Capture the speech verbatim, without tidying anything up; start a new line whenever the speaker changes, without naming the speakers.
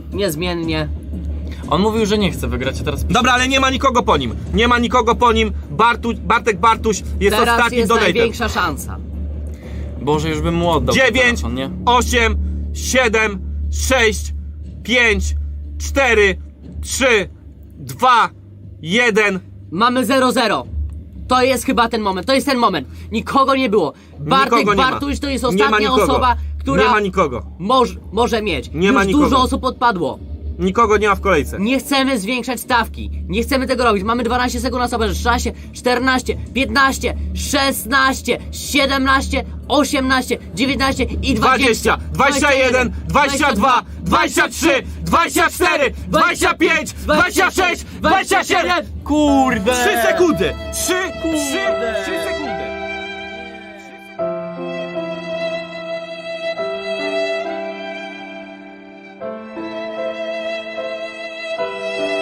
niezmiennie.
On mówił, że nie chce wygrać, a teraz...
Dobra, ale nie ma nikogo po nim. Nie ma nikogo po nim. Bartu, Bartek Bartuś jest
Teraz
ostatnim
jest
donatem.
największa szansa.
Boże, już bym mu oddał ten
dziewięć,
telefon, nie?
osiem, siedem, sześć, pięć, cztery, trzy, dwa, jeden.
Mamy zero zero. To jest chyba ten moment, to jest ten moment. Nikogo nie było. Bartek
Nikogo nie ma.
Bartuś to jest
Nie ma
ostatnia
nikogo.
osoba, która
Nie ma nikogo.
moż, może mieć.
Nie
Już
ma nikogo.
dużo osób odpadło.
Nikogo nie ma w kolejce.
Nie chcemy zwiększać stawki. Nie chcemy tego robić. Mamy dwanaście sekund na sobie. szesnaście, czternaście, piętnaście, szesnaście, siedemnaście, osiemnaście, dziewiętnaście i
dwadzieścia, dwadzieścia jeden, dwadzieścia dwa, dwadzieścia trzy, dwadzieścia cztery, dwadzieścia pięć, dwadzieścia sześć, dwadzieścia siedem.
Kurde!
trzy sekundy! trzy, trzy, trzy sekundy!